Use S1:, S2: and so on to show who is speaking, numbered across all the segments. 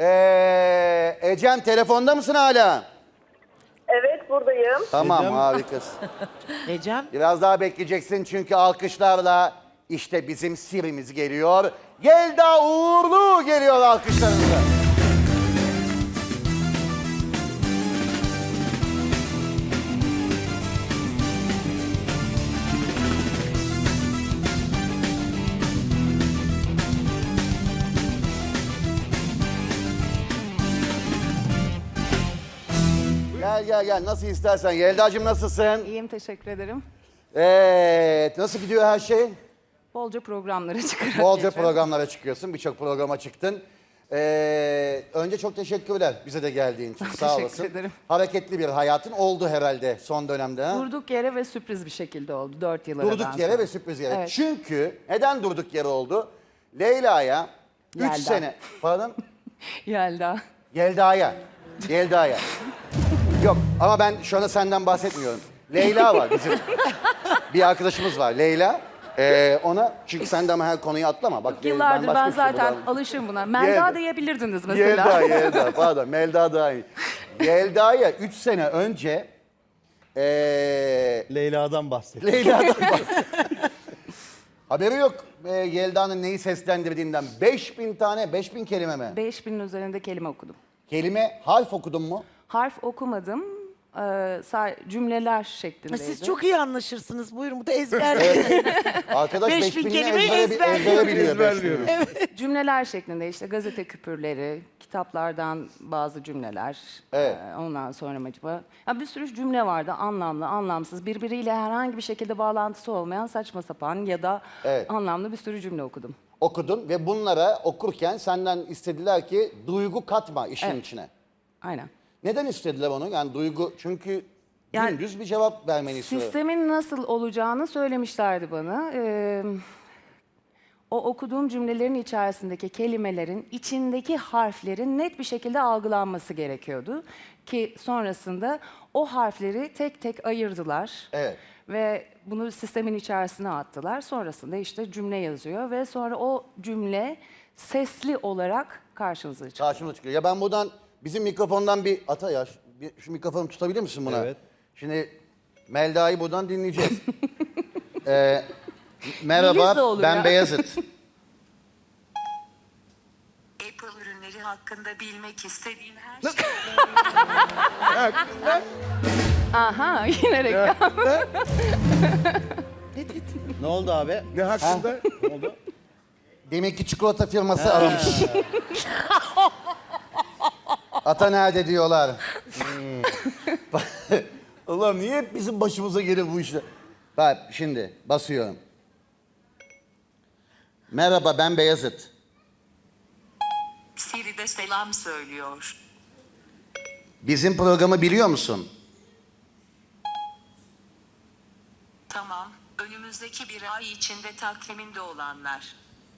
S1: Ecem telefonda mısın hala?
S2: Evet, buradayım.
S1: Tamam,
S3: Ecem.
S1: harikasın.
S4: Ecem.
S1: Biraz daha bekleyeceksin çünkü alkışlarla işte bizim Siri'miz geliyor. Yelda Uğurlu geliyor alkışlarınızla. Gel. Nasıl istersen. Yelda'cığım nasılsın?
S5: İyiyim, teşekkür ederim.
S1: Evet. Nasıl gidiyor her şey?
S5: Bolca programlara çıkarak
S1: Bolca
S5: geçiyorum.
S1: programlara çıkıyorsun. Birçok programa çıktın. Önce çok teşekkürler bize de geldiğin için. Sağ
S5: teşekkür
S1: olasın.
S5: ederim.
S1: Hareketli bir hayatın oldu herhalde son dönemde. Ha?
S5: Durduk yere ve sürpriz bir şekilde oldu 4 yıl
S1: Durduk
S5: aradan
S1: yere
S5: sonra.
S1: ve sürpriz yere.
S5: Evet.
S1: Çünkü neden durduk yere oldu? Leyla'ya 3
S5: Yelda.
S1: sene... Pardon?
S5: Yelda.
S1: Yelda'ya. Yok ama ben şu anda senden bahsetmiyorum. Leyla var bizim. Bir arkadaşımız var Leyla. Ona çünkü sen de ama her konuyu atlama. Bak,
S5: Yıllardır
S1: başka
S5: ben
S1: bir şey
S5: zaten
S1: bulalım.
S5: alışığım buna. Melda
S1: Yelda.
S5: diyebilirdiniz mesela.
S1: Yelda pardon Melda daha iyi. Yelda'ya 3 sene önce
S3: Leyla'dan bahset.
S1: Leyla'dan bahsediyor. Haberi yok Yelda'nın neyi seslendirdiğinden. 5000 kelime mi?
S5: 5000'in üzerinde kelime okudum.
S1: Kelime, harf okudun mu?
S5: Harf okumadım. Cümleler şeklindeydi.
S4: Siz çok iyi anlaşırsınız. Buyurun bu da ezberleyin.
S1: Arkadaş
S4: 5000
S1: 5000'i
S4: kelimeyi
S1: ezbere biliyor. 5000'i.
S5: Cümleler şeklinde işte gazete küpürleri, kitaplardan bazı cümleler.
S1: Evet.
S5: Ondan sonra acaba... Ya bir sürü cümle vardı anlamlı, anlamsız. Birbiriyle herhangi bir şekilde bağlantısı olmayan saçma sapan ya da
S1: Evet.
S5: anlamlı bir sürü cümle okudum.
S1: Okudun ve bunlara okurken senden istediler ki duygu katma işin
S5: Evet.
S1: içine.
S5: Aynen.
S1: Neden istediler onu? Yani duygu çünkü
S5: Yani
S1: dümdüz bir cevap vermeni istiyor.
S5: Sistemin nasıl olacağını söylemişlerdi bana. O okuduğum cümlelerin içerisindeki kelimelerin içindeki harflerin net bir şekilde algılanması gerekiyordu. Ki sonrasında o harfleri tek tek ayırdılar.
S1: Evet.
S5: Ve bunu sistemin içerisine attılar. Sonrasında işte cümle yazıyor ve sonra o cümle sesli olarak karşınıza çıkıyor.
S1: Karşımıza çıkıyor. Ya ben buradan bizim mikrofondan bir ata ya şu mikrofonu tutabilir misin buna?
S3: Evet.
S1: Şimdi Melda'yı buradan dinleyeceğiz.
S5: Yeliz de
S1: Merhaba
S5: olur
S1: ben
S5: ya.
S1: Beyazıt.
S6: Apple ürünleri hakkında bilmek istediğin her şey.
S5: Aha yine reklam.
S3: Ne oldu abi?
S7: Ne hakkında?
S3: Ne oldu?
S1: Demek ki çikolata firması aramış. Ata nerede diyorlar. Allah'ım niye hep bizim başımıza gelir bu işler? Bak şimdi basıyorum. Merhaba ben Beyazıt.
S6: Siri de selam söylüyor.
S1: Bizim programı biliyor musun?
S6: Tamam, önümüzdeki bir ay içinde takviminde olanlar.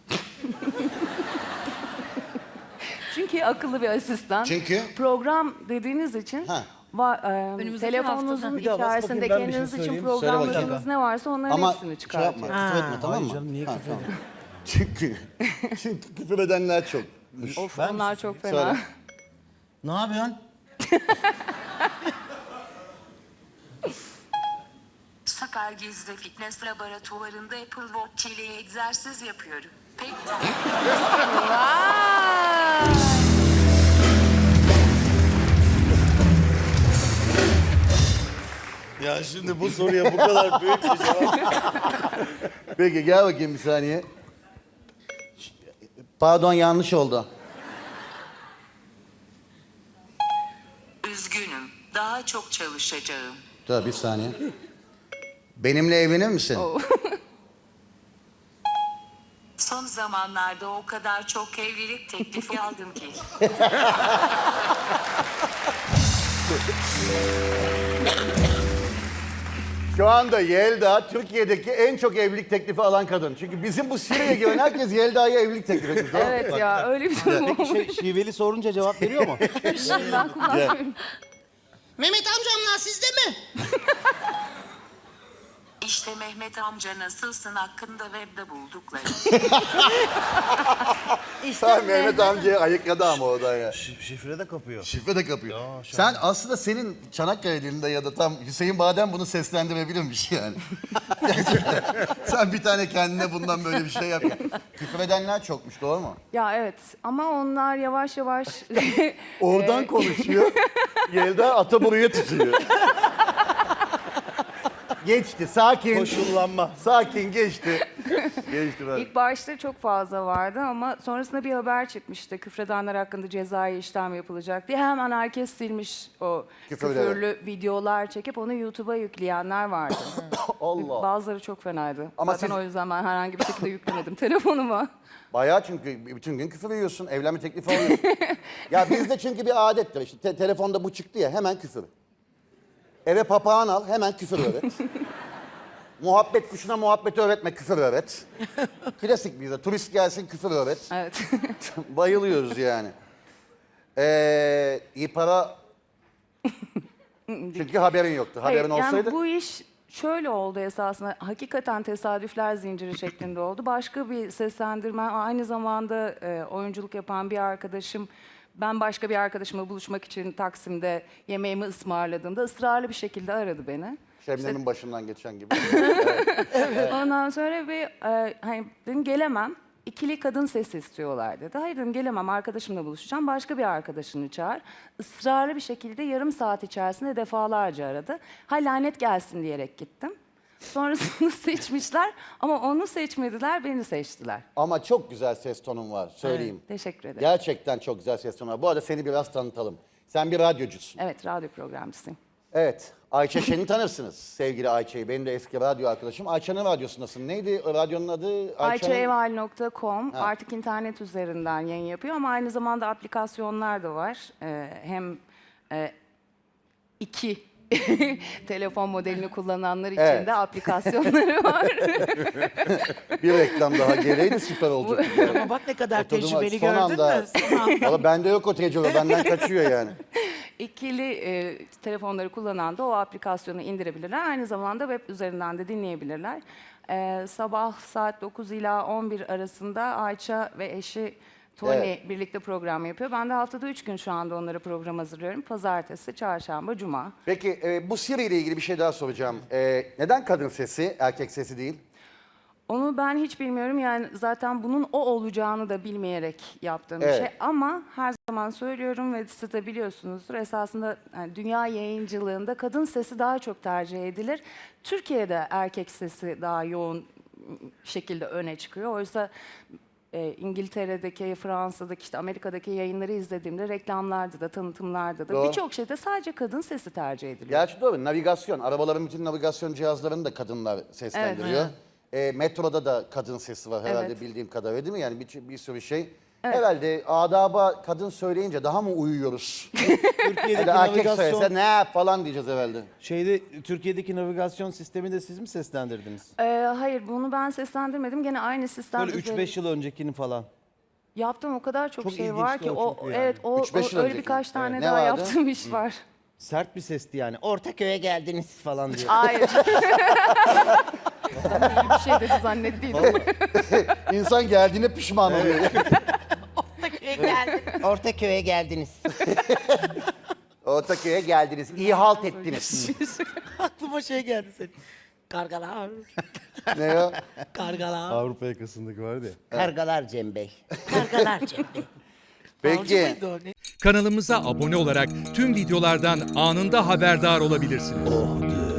S5: Çünkü akıllı bir asistan.
S1: Çünkü?
S5: Program dediğiniz için
S1: Ha.
S4: Önümüzdeki
S5: telefonunuzun
S4: hafta.
S3: Bir daha bas
S5: içerisinde
S3: bakayım, ben bir şey
S5: kendiniz için
S3: söyleyeyim.
S5: programladığınız
S1: bakayım.
S5: ne varsa onların
S1: Ama
S5: hepsini
S1: şey
S5: çıkartıyor.
S1: yapma, küfür etme tamam mı?
S3: Hayır canım, niye
S1: Ha,
S3: küfür
S1: tamam.
S3: edeyim?
S1: Çünkü küfür edenler çok.
S5: Of
S3: Ben
S5: onlar çok fena.
S1: Söyle.
S3: Ne yapıyorsun?
S6: Süper Gizli Fitness Laboratuvarında Apple Watch ile egzersiz yapıyorum. Pek
S3: Ya şimdi bu soruya bu kadar büyük bir cevap.
S1: Peki gel bakayım bir saniye. Pardon yanlış oldu.
S6: üzgünüm. Daha çok çalışacağım.
S1: Dur bir saniye. Benimle evlenir misin?
S6: Son zamanlarda o kadar çok evlilik teklifi aldım ki.
S1: Şu anda Yelda Türkiye'deki en çok evlilik teklifi alan kadın. Çünkü bizim bu Siri'ye giren herkes Yelda'ya evlilik teklif etmiş. tamam mı?
S5: Evet ya öyle bir durum olmuş.
S3: Şiveli sorunca cevap veriyor mu?
S5: Ben kullanmıyorum.
S4: Mehmet amcamlar sizde mi?
S6: İşte Mehmet amca nasılsın hakkında webde buldukları.
S1: Sen Mehmet amcayı ayıkladı ama oradan ya.
S3: Şifre de kapıyor.
S1: Şifre de kapıyor.
S3: Ya,
S1: Sen aslında senin Çanakkale dilinde ya da tam Hüseyin Badem bunu seslendirebilirmiş yani. Gerçekten. Sen bir tane kendine bundan böyle bir şey yap. Küfredenler çokmuş, doğru mu?
S5: Ya evet, ama onlar yavaş yavaş
S1: Oradan konuşuyor. Yelda Ataburu'ya tutuyor. Geçti, sakin.
S3: Koşullanma.
S1: Sakin geçti. Geçti ben.
S5: İlk başta çok fazla vardı ama sonrasında bir haber çıkmıştı. Küfredenler hakkında cezai işlem yapılacak diye. Hemen herkes silmiş o
S1: Küfürleri.
S5: küfürlü videolar çekip onu YouTube'a yükleyenler vardı.
S1: Allah.
S5: Bazıları çok fenaydı.
S1: Ama
S5: Zaten
S1: siz-
S5: o yüzden ben herhangi bir şekilde yüklemedim telefonuma.
S1: Bayağı, çünkü bütün gün küfür yiyorsun, evlenme teklifi alıyorsun. Ya bizde çünkü bir adettir işte, telefonda bu çıktı ya, hemen küfür. Eve papağan al, hemen küfür öğret. Muhabbet kuşuna muhabbeti öğretme, küfür öğret. Klasik bizde, turist gelsin küfür öğret.
S5: Evet.
S1: Bayılıyoruz yani. İyi para... Çünkü haberin yoktu. Haberin
S5: Hayır,
S1: olsaydı...
S5: yani bu iş şöyle oldu esasında. Hakikaten tesadüfler zinciri şeklinde oldu. Başka bir seslendirmen, aynı zamanda oyunculuk yapan bir arkadaşım, ben başka bir arkadaşımla buluşmak için Taksim'de yemeğimi ısmarladığımda ısrarlı bir şekilde aradı beni.
S1: Şebnem'in başından geçen gibi.
S5: Ondan sonra hani dedim gelemem. İkili kadın sesi istiyorlar dedi. Hayır dedim, gelemem, arkadaşımla buluşacağım. Başka bir arkadaşını çağır. Israrlı bir şekilde yarım saat içerisinde defalarca aradı. Ha, lanet gelsin diyerek gittim. Sonrasında seçmişler ama onu seçmediler, beni seçtiler.
S1: Ama çok güzel ses tonun var, söyleyeyim.
S5: Teşekkür ederim.
S1: Gerçekten çok güzel ses tonu var. Bu arada seni biraz tanıtalım. Sen bir radyocusun.
S5: Evet, radyo programcısıyım.
S1: Evet. Ayça Şen'i tanırsınız, sevgili Ayça'yı. Benim de eski radyo arkadaşım. Ayça'nın radyosundasın. Neydi radyonun adı?
S5: Ayçaeval.com artık internet üzerinden yayın yapıyor ama aynı zamanda aplikasyonlar da var. Hem iki telefon modelini kullananlar için
S1: Evet.
S5: de aplikasyonları var.
S1: Bir reklam daha geleydi süper olacak.
S4: Ama bak ne kadar
S1: Oturdum,
S4: tecrübeli
S1: son
S4: gördün
S1: anda.
S4: mü? Son anda.
S1: Valla bende yok o tecrübe, benden kaçıyor yani.
S5: İkili telefonları kullanan da o aplikasyonu indirebilirler. Aynı zamanda web üzerinden de dinleyebilirler. Sabah saat 9 ila 11 arasında Ayça ve eşi Tony
S1: Evet.
S5: birlikte program yapıyor. Ben de haftada 3 gün şu anda onlara program hazırlıyorum. Pazartesi, çarşamba, cuma.
S1: Peki bu Siri ile ilgili bir şey daha soracağım. Neden kadın sesi, erkek sesi değil?
S5: Onu ben hiç bilmiyorum. Yani zaten bunun o olacağını da bilmeyerek yaptığım bir
S1: Evet.
S5: şey. Ama her zaman söylüyorum ve siz de biliyorsunuzdur. Esasında yani dünya yayıncılığında kadın sesi daha çok tercih edilir. Türkiye'de erkek sesi daha yoğun şekilde öne çıkıyor. Oysa İngiltere'deki, Fransa'daki, işte Amerika'daki yayınları izlediğimde reklamlarda da, tanıtımlarda da
S1: Doğru.
S5: birçok şeyde sadece kadın sesi tercih ediliyor.
S1: Gerçi doğru, navigasyon. Arabaların bütün navigasyon cihazlarını da kadınlar seslendiriyor. Metroda da kadın sesi var herhalde,
S5: Evet.
S1: bildiğim kadarıyla, değil mi? Yani bir sürü şey. Herhalde adaba kadın söyleyince daha mı uyuyoruz?
S3: Türkiye'deki
S1: Ya da erkek
S3: navigasyon
S1: söylese ne falan diyeceğiz herhalde.
S3: Türkiye'deki navigasyon sistemi de siz mi seslendirdiniz?
S5: Hayır, bunu ben seslendirmedim. Gene aynı sistem
S3: Böyle
S5: üzerinde-
S3: 3-5 yıl öncekini falan.
S5: Yaptığım o kadar çok,
S3: Çok
S5: şey var
S3: ilginçti
S5: ki
S3: o çünkü yani.
S5: evet, o
S1: 3-5 yıl
S5: öyle
S1: önceki.
S5: birkaç tane
S1: Evet. Ne
S5: daha
S1: vardı?
S5: yaptığım iş var.
S3: Sert bir sesti yani. Ortaköy'e geldiniz falan diyor.
S5: Hayır. Öyle bir şey dedi zannettiydim.
S1: İnsan geldiğine pişman oluyor.
S7: Ortaköy'e geldiniz.
S1: Ortaköy'e geldiniz, iyi halt ettiniz.
S4: Aklıma şey geldi senin. Kargalar.
S1: Ne o?
S4: Kargalar.
S3: Avrupa yakasındaki vardı ya.
S7: Kargalar Cem Bey.
S4: Kargalar Cem'de.
S1: Peki.
S4: muydu o? Ne?
S8: Kanalımıza abone olarak tüm videolardan anında haberdar olabilirsiniz.